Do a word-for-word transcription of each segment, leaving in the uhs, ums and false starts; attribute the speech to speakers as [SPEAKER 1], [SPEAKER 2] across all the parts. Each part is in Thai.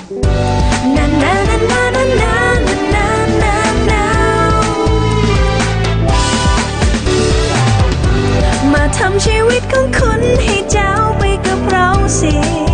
[SPEAKER 1] มาทำชีวิตของคุณให้เจ้าไปกับเราสิ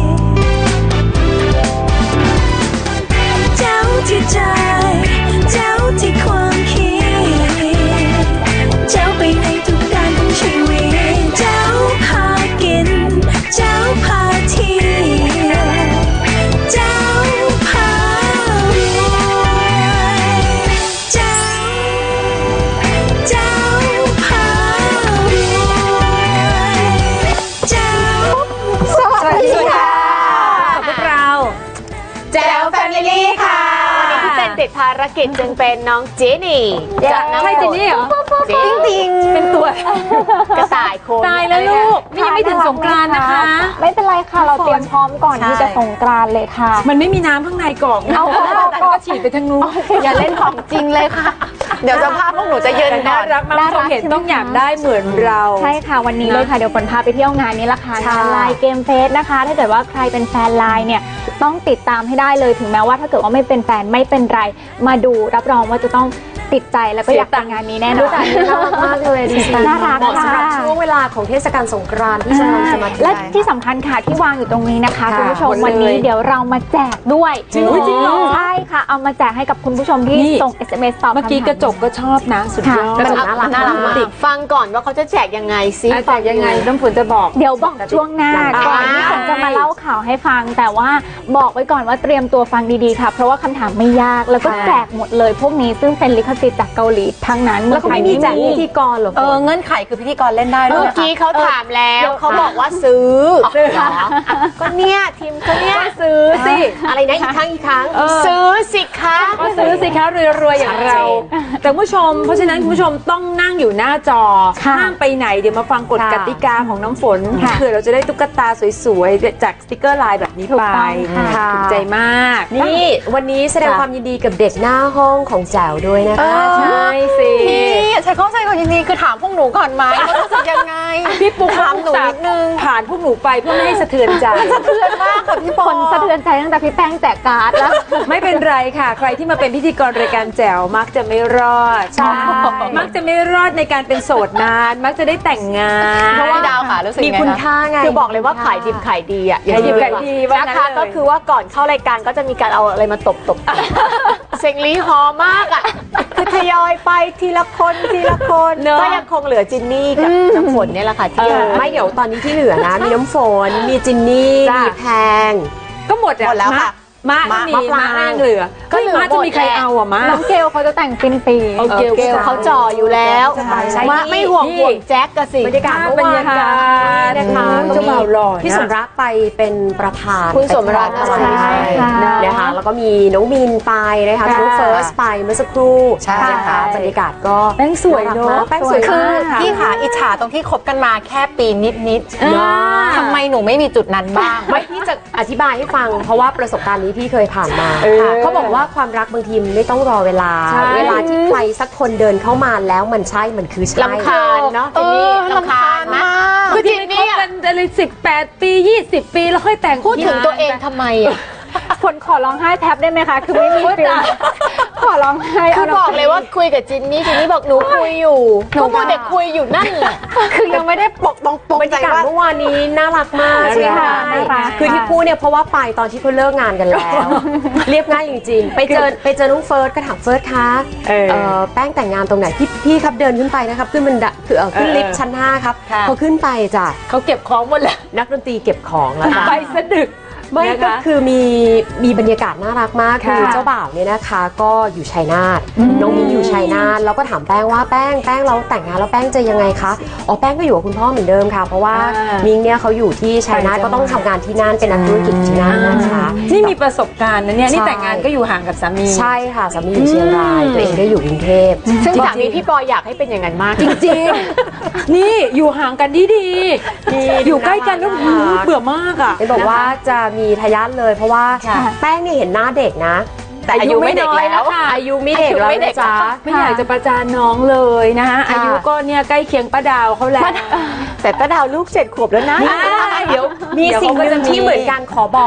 [SPEAKER 1] เจ้าที่ใจเจ้าที่ความคิดเจ้าไปในทุกด้านของชีวิตเจ้าพากินเจ้าพาเที่ยวเจ้าพารวยเจ้าเจ้าพารวยเจ้าสวัสดีค่ะพวกเรา
[SPEAKER 2] แจ๋วแฟมิลี่ค่ะวันนี้ที่เป็นติดภารกิจจึงเป็นน้องเจนี่จากน้องใช่เจนี่เหรอจริงจริงเป็นตัวกระต่ายโคน
[SPEAKER 3] ตายแล้วลูกนี่ยังไม่ถึงสงกรานต์นะคะ
[SPEAKER 4] ไม่เป็นไรค่ะเราเตรียมพร้อมก่อนที่จะสงกรานต์เลยค่ะ
[SPEAKER 3] มันไม่มีน้ำข้างในกล่องเอาก็ฉีดไปทางนู้น
[SPEAKER 2] อย่าเล่นของจริงเลยค่ะเดี๋ยวสภาพพวกหนูจะเยินก่อน
[SPEAKER 3] น่ารักมากชมเห็นต้องอยากได้เหมือนเรา
[SPEAKER 4] ใช่ค่ะวันนี้เลยค่ะเดี๋ยวฝนพาไปเที่ยวงานนี้ละค่ะงานไลน์เกมเฟสนะคะถ้าเกิดว่าใครเป็นแฟนไลน์เนี่ยต้องติดตามให้ได้เลยถึงแม้ว่าถ้าเกิดว่าไม่เป็นแฟนไม่เป็นไรมาดูรับรองว่าจะต้องติดใจแล้วก็อยากไปงานนี้แน่นอน
[SPEAKER 2] น่ารักมากเลยดี
[SPEAKER 4] น่ารักค่ะ
[SPEAKER 2] สำหรับช่วงเวลาของเทศกาลสงกรานต์ที่จะจะมา
[SPEAKER 4] และที่สำคัญค่ะที่วางอยู่ตรงนี้นะคะคุณผู้ชมวันนี้เดี๋ยวเรามาแจกด้วย
[SPEAKER 3] จริงเหรอ
[SPEAKER 4] ใช่ค่ะเอามาแจกให้กับคุณผู้ชมที่ส่ง เอส เอ็ม เอส ตอบ
[SPEAKER 3] เมื่อกี้กระจกก็ชอบนะสุดยอด
[SPEAKER 2] กระจกน่ารักน่ารักมากฟังก่อนว่าเขาจะแจกยังไงซิ
[SPEAKER 3] แจกยังไงน้ำฝนจะบอก
[SPEAKER 4] เดี๋ยวบอกช่วงหน้าก่อนที่ฝนจะมาเล่าข่าวให้ฟังแต่ว่าบอกไว้ก่อนว่าเตรียมตัวฟังดีๆค่ะเพราะว่าคำถามไม่ยากแล้วก็แจกหมดเลยพวกนี้ซึ่งเป็นลิขสิทธิ์จากเกาหลีทั้งนั้น
[SPEAKER 2] แล้วเขาไม่มีแจกพิธีกรหรอ
[SPEAKER 3] เออเงื่อนไขคือพิธีกรเล่นได้ด้วย
[SPEAKER 2] เมื่อกี้เขาถามแล้วเขาบอกว่าซื้อก็เนี่ยทีมก็เนี่ย
[SPEAKER 3] ซื้อสิ
[SPEAKER 2] อะไรนะอีกครั้งอีกครั้งซื้อสิคะ
[SPEAKER 3] ก็ซื้อสิคะรวยๆอย่างเราแต่ผู้ชมเพราะฉะนั้นคุณผู้ชมต้องนั่งอยู่หน้าจอห้ามไปไหนเดี๋ยวมาฟังกฎกติกาของน้ำฝนเผื่อเราจะได้ตุ๊กตาสวยๆจากสติกเกอร์ลายแบบนี้ไปถูกใจมาก
[SPEAKER 2] นี่วันนี้แสดงความยินดีกับเด็กหน้าห้องของแจ๋วด้วยนะคะ
[SPEAKER 3] ใช่สิ
[SPEAKER 2] ฉันเข้าใจความยินดีคือถามพวกหนูก่อนไหมว่ารู้สึกยังไง
[SPEAKER 3] พี่ปุ๊กถามหนูนิดนึงผ่านพวกหนูไปเพื่อไม่ให้สะเทือนใจ
[SPEAKER 2] สะเทือนมากค่ะพี่ปอ
[SPEAKER 4] คนสะเทือนใจตั้งแต่พี่แป้งแจกการ์ดแล้ว
[SPEAKER 3] ไม่เป็นไรค่ะใครที่มาเป็นพิธีกรรายการแจ๋วมักจะไม่รอดใช่มักจะไม่รอดในการเป็นโสดนานมักจะได้แต่งงาน
[SPEAKER 2] เพราะว่าดาวค่ะรู้สึกมีคุณค่าไงคือบอกเลยว่าขายดิบขายดีอ่ะ
[SPEAKER 3] ขายดิบขายดี
[SPEAKER 2] นะคะก็คือว่าก่อนเข้ารายการก็จะมีการเอาอะไรมาตบตบเซ็งลีฮอมากอ่ะคือทยอยไปทีละคนทีละคนก็ยังคงเหลือจินนี่กับน้ำฝนเนี่ยแหละค่ะที่ไม่เดี๋ยวตอนนี้ที่เหลือนะมีน้ำฝนมีจินนี่มีแพง
[SPEAKER 3] ก็หมดแล้วค่ะม้าก็มีม้าแรงเหลือก็ม้าจะมีใครเอาอ่ะม้า
[SPEAKER 4] น้องเกลเขาจะแต่งฟินปี
[SPEAKER 2] เกลเขาจ่ออยู่แล้วม้าไม่ห่วงห่วงแจ็คกันสิ
[SPEAKER 3] บรรยากาศบรรยากาศ
[SPEAKER 2] นะคะ
[SPEAKER 3] เจ้าบ่าวหล่อ
[SPEAKER 2] พี่สมรักไปเป็นประธานคุณสมรักใช่นะคะแล้วก็มีน้องมินไปนะคะน้องเฟิร์สไปเมื่อสักครู่ใช่ค่ะบรรยากาศก็
[SPEAKER 3] แป้งสวยเนาะ
[SPEAKER 2] แป้งสวยคือพี่ขาอิจฉาตรงที่คบกันมาแค่ปีนิดๆทำไมหนูไม่มีจุดนั้นบ้างไม่พี่จะอธิบายให้ฟังเพราะว่าประสบการณ์นี้พี่เคยผ่านมาเขาบอกว่าความรักบางทีไม่ต้องรอเวลาเวลาที่ใครสักคนเดินเข้ามาแล้วมันใช่มันคือใช่
[SPEAKER 3] ลำคาญเนาะ
[SPEAKER 2] ทีนี้ลำคาญมาก
[SPEAKER 3] คือทีนี้กันอะไรสิบแปดปียี่สิบปีแล้วค่อยแต่ง
[SPEAKER 2] พูดถึงตัวเองทำไมอ่ะ
[SPEAKER 4] ฝนขอร้องไห้แท็บได้ไหมคะคือไม่มีฟิลขอร้องไห้
[SPEAKER 2] คือบอกเลยว่าคุยกับจินนี่จินนี่บอกหนูคุยอยู่หนูก็เด็กคุยอยู่นั่นแหละ
[SPEAKER 4] คือยังไม่ได้ปกตรง
[SPEAKER 2] บรรยากาศเมื่อวานนี้น่ารักมากใช่ค่ะคือที่พูดเนี่ยเพราะว่าไปตอนที่เขาเลิกงานกันแล้วเรียบง่ายจริงๆไปเจอไปเจอน้องเฟิร์สก็ถามเฟิร์สคะแป้งแต่งงานตรงไหนพี่พี่ครับเดินขึ้นไปนะครับขึ้นบันไดคือขึ้นลิฟต์ชั้นห้าครับพอขึ้นไปจ้ะ
[SPEAKER 3] เขาเก็บของหมดแล้ว
[SPEAKER 2] นักดนตรีเก็บของแล้ว
[SPEAKER 3] ไปสะดึก
[SPEAKER 2] ไม่ก็คือมีมีบรรยากาศน่ารักมากคือเจ้าบ่าวเนี่ยนะคะก็อยู่ชัยนาทน้องมิ้งอยู่ชัยนาทแล้วก็ถามแป้งว่าแป้งแป้งเราแต่งงานแล้วแป้งจะยังไงคะอ๋อแป้งก็อยู่กับคุณพ่อเหมือนเดิมค่ะเพราะว่ามิ้งเนี่ยเขาอยู่ที่ชัยนาทก็ต้องทำงานที่นั่นเป็นนักธุรกิจที่นั่นนะคะ
[SPEAKER 3] นี่มีประสบการณ์นะเนี่ยนี่แต่งงานก็อยู่ห่างกับสามี
[SPEAKER 2] ใช่ค่ะสามีอยู่เชียงรายตัวเองก็อยู่กรุงเทพซึ่งสามีพี่ปอยอยากให้เป็นอย่างนั้นมาก
[SPEAKER 3] จริงๆนี่อยู่ห่างกันดีๆอยู่ใกล้กันแล้วเบื่อมากอ่ะ
[SPEAKER 2] เห็นบอกว่าจะมีทายาทเลยเพราะว่าแป้งนี่เห็นหน้าเด็กนะแต่อายุไม่เด็กแล้วอายุไม่เด็กแล้วนะจ๊ะ
[SPEAKER 3] ไม่อยากจะประจานน้องเลยนะคะอายุก็เนี่ยใกล้เคียงป้าดาวเขาแล้ว
[SPEAKER 2] แต่ป้าดาวลูกเจ็ดขวบแล้วนะเดี๋ยวมีสิ่งหนึ่งที่เหมือนกันขอบอก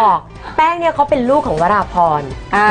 [SPEAKER 2] แป้งเนี่ยเขาเป็นลูกของวราพร
[SPEAKER 3] อ่าว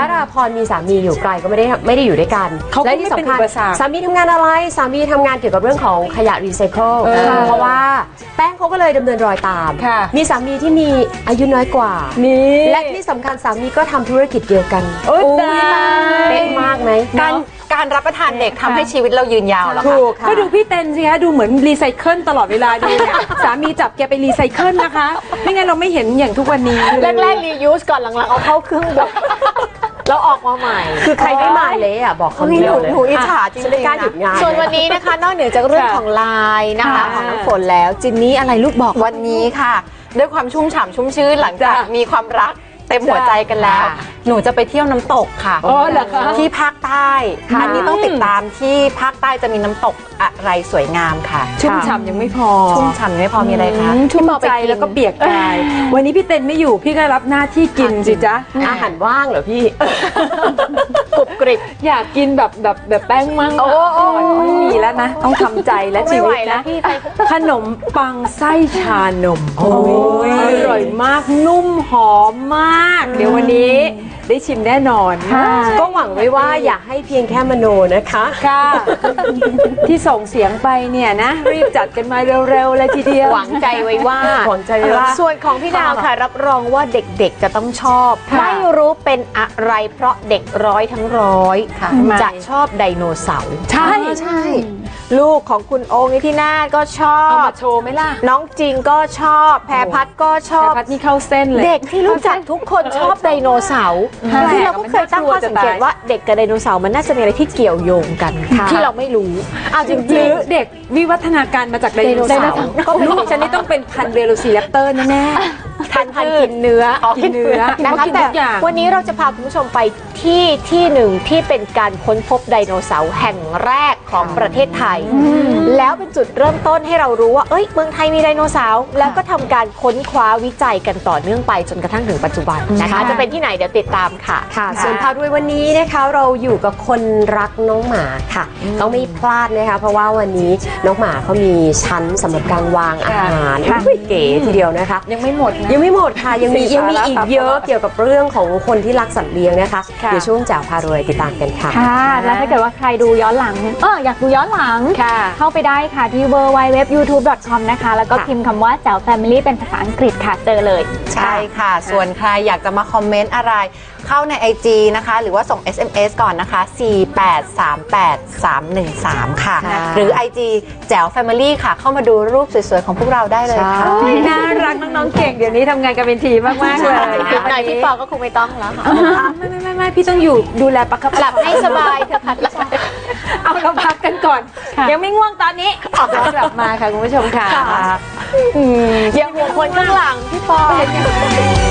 [SPEAKER 2] ราพรมีสามีอยู่ไกลก็ไม่ได้ไม่ได้อยู่ด้วยกัน
[SPEAKER 3] เขาก็
[SPEAKER 2] และ
[SPEAKER 3] ไม่
[SPEAKER 2] ที่
[SPEAKER 3] เป็น
[SPEAKER 2] สำคัญ
[SPEAKER 3] อุปสรรค
[SPEAKER 2] สามีทำงานอะไรสามีทำงานเกี่ยวกับเรื่องของขยะรีไซเคิล
[SPEAKER 3] เออ
[SPEAKER 2] เพราะว่าแป้งเขาก็เลยดำเนินรอยตาม
[SPEAKER 3] ค่ะ
[SPEAKER 2] มีสามีที่มีอายุน้อยกว่า
[SPEAKER 3] นี่
[SPEAKER 2] และที่สำคัญสามีก็ทำธุรกิจเดียวกัน
[SPEAKER 3] โอ้ยตาย
[SPEAKER 2] เป๊ะมากไหม
[SPEAKER 5] การการรับประทานเด็กทำให้ชีวิตเรายืนยาวเหรอคะ
[SPEAKER 3] ถูกก็ดูพี่เต้นสิคะดูเหมือนรีไซเคิลตลอดเวลาดูเนี่ย สามีจับแกไปรีไซเคิลนะคะ ไม่งั้นเราไม่เห็นอย่างทุกวันนี้
[SPEAKER 5] แรกๆรียูสก่อนหลังๆเอาเข้าเครื่องบดแล้วออกมาใหม่
[SPEAKER 2] คือใครไม่มาเละอ่ะบอกคำเดียวเลย
[SPEAKER 5] หนูอิจฉาจริง
[SPEAKER 2] ฉันไม่กล้าหยุดงาน
[SPEAKER 5] ส่วนวันนี้นะคะ นอกเหนือจากเรื่องของไลน์นะคะของน้ำฝนแล้วจินนี่อะไรลูกบอกวันนี้ค่ะ ด้วยความชุ่มฉ่ำชุ่มชื้นหลังจากมีความรักเต็มหัวใจกันแล้ว หนูจะไปเที่ยวน้ำตกค่ะ
[SPEAKER 3] อ๋อเหรอคะ
[SPEAKER 5] ที่ภาคใต้อันนี้ต้องติดตามที่ภาคใต้จะมีน้ำตกอะไรสวยงามค่ะ
[SPEAKER 3] ชุ่มฉ่ำยังไม่พอ
[SPEAKER 5] ชุ่มฉ่ำไม่พอมีอะไรคะ
[SPEAKER 3] อืมชุ่มใจแล้วก็เปียกกาย วันนี้พี่เต้นไม่อยู่พี่ก็รับหน้าที่กินสิจ๊ะ
[SPEAKER 2] อาหารว่างเหรอพี่
[SPEAKER 5] กรุบกริบ
[SPEAKER 3] อยากกินแบบแบบแบบแป้งมั่ง
[SPEAKER 5] โอ้โอ้
[SPEAKER 3] ไม่มีแล้วนะ ต้องทำใจและชีวิต
[SPEAKER 5] ไม่ไหวแล้
[SPEAKER 3] นะ
[SPEAKER 5] วพี่
[SPEAKER 3] ขนมปังไส้ชานมโอ้ยอร่อยมากนุ่มหอมมาก เดี๋ยววันนี้ได้ชิมแน่นอน
[SPEAKER 2] ก็หวังไว้ว่าอย่าให้เพียงแค่มโนนะคะ
[SPEAKER 3] ค่ะ ที่ส่งเสียงไปเนี่ยนะ รีบจัดกันมาเร็วๆเลยทีเดียว
[SPEAKER 5] หวังใจไว้ว่า
[SPEAKER 2] หวังใจไว้ว่า
[SPEAKER 5] ส่วนของพี่ดาวค่ะ รับรองว่าเด็กๆจะต้องชอบ
[SPEAKER 3] ค่ะ
[SPEAKER 5] ไม่รู้เป็นอะไรเพราะเด็กร้อยทั้งร้อยค่ะ
[SPEAKER 3] ทำไม
[SPEAKER 5] จะชอบไดโนเสาร์
[SPEAKER 3] ใช่
[SPEAKER 5] ใช่ ลูกของคุณโองนิธินาถก็ชอ
[SPEAKER 3] เอา
[SPEAKER 5] บ
[SPEAKER 3] มาโชว์ไหมล่ะ
[SPEAKER 5] น้องจริงก็ชอบ แพรพัดก็ชอ
[SPEAKER 3] แต่
[SPEAKER 5] บ
[SPEAKER 3] พัดนี่เข้าเส้นเลย
[SPEAKER 5] เด็กที่รู้จักทุกคนชอบไดโนเสาร์
[SPEAKER 3] ใช่
[SPEAKER 5] คือเราก็เคยตั้งข้อสังเกตว่าเด็กกับไดโนเสาร์มันน่าจะมีอะไรที่เกี่ยวโยงกัน ที่เราไม่รู้เอาจ
[SPEAKER 3] ห
[SPEAKER 5] ริ
[SPEAKER 3] รื
[SPEAKER 5] ง
[SPEAKER 3] อเด็กวิวัฒนาการมาจากไดโนเสาร์ก็ลูกฉันนี่ต้องเป็นพันธุ์เวโรซีแรปเตอร์แน่
[SPEAKER 5] ๆทานพันกินเนื้อ
[SPEAKER 3] ๆกินเนื้อ
[SPEAKER 5] นะ
[SPEAKER 3] เขา
[SPEAKER 5] คะ
[SPEAKER 3] กิน
[SPEAKER 5] แต่
[SPEAKER 3] ทุกอย่าง
[SPEAKER 5] วันนี้เราจะพาคุณผู้ชมไปที่ที่หนึ่งที่เป็นการค้นพบไดโนเสาร์แห่งแรกของประเทศไทย แล้วเป็นจุดเริ่มต้นให้เรารู้ว่าเอ้ยเมืองไทยมีไดโนเสาร์แล้วก็ทำการค้นคว้าวิจัยกันต่อเนื่องไปจนกระทั่งถึงปัจจุบันนะคะ จะเป็นที่ไหนเดี๋ยวติดตามค่ะ
[SPEAKER 2] ค่ะ ส่วนพารวยวันนี้นะคะเราอยู่กับคนรักน้องหมาค่ะ ต้องไม่พลาดนะคะ เพราะว่าวันนี้น้องหมาเขามีชั้นสำหรับการวางอาหารอุ๊ยเก๋ทีเดียวนะคะ
[SPEAKER 3] ยังไม่หมดนะ
[SPEAKER 2] ยังไม่หมดค่ะ ยังมี
[SPEAKER 3] สิ่ง
[SPEAKER 2] ยังมี
[SPEAKER 3] สาระ
[SPEAKER 2] อีก
[SPEAKER 3] ตาม
[SPEAKER 2] เยอะ
[SPEAKER 3] ตลอด
[SPEAKER 2] เกี่ยวกับเรื่องของคนที่รักสัตว์เลี้ยงนะคะ
[SPEAKER 3] ค่ะ
[SPEAKER 2] เดี๋ยวช่วงแจ๋วพารวยติดตามกันค่ะ
[SPEAKER 4] ค่ะ แล้วถ้าเกิดว่าใครดูย้อนหลัง เอออยากดูย้อนหลัง
[SPEAKER 3] ค่ะ
[SPEAKER 4] เข้าไปได้ค่ะที่ ดับเบิลยู ดับเบิลยู ดับเบิลยู ดอท ยูทูบ ดอท คอม นะคะ แล้วก็
[SPEAKER 2] ค่ะ
[SPEAKER 4] พิมพ์คำว่าแจ๋ว Family เป็นภาษาอังกฤษค่ะ เจอเลย
[SPEAKER 5] ใช่ค่ะ ส่วนใครอยากจะมาคอมเมนต์อะไร เข้าใน ไอ จี นะคะ หรือว่าส่ง เอส เอ็ม เอส ก่อนนะคะ สี่แปดสามแปดสามหนึ่งสาม ค่ะ
[SPEAKER 2] ค่ะ
[SPEAKER 5] หรือ ไอ จี แจ๋ว Family ค่ะ เข้ามาดูรูปสวยๆ ของพวกเราได้เลยค่ะ
[SPEAKER 2] ใช่
[SPEAKER 3] น่ารักน้องๆเก่งเดี๋ยวนี้ทำงานกันเป็นทีมมากๆเลย
[SPEAKER 5] ถึงไหนพี่ปอก็คงไม่ต้องแล้วค่ะ
[SPEAKER 3] ไม่ไม่ไม่ไม่พี่ต้องอยู่ดูแลประคับ
[SPEAKER 5] หลับให้สบายเถอะค่ะ
[SPEAKER 3] เอาเราพักกันก่อน ยังไม่ง่วงตอนนี้เรากลับมาค่ะคุณผู้ชมค่ะ
[SPEAKER 5] อย่าห่วงคนข้างหลังพี่ปอ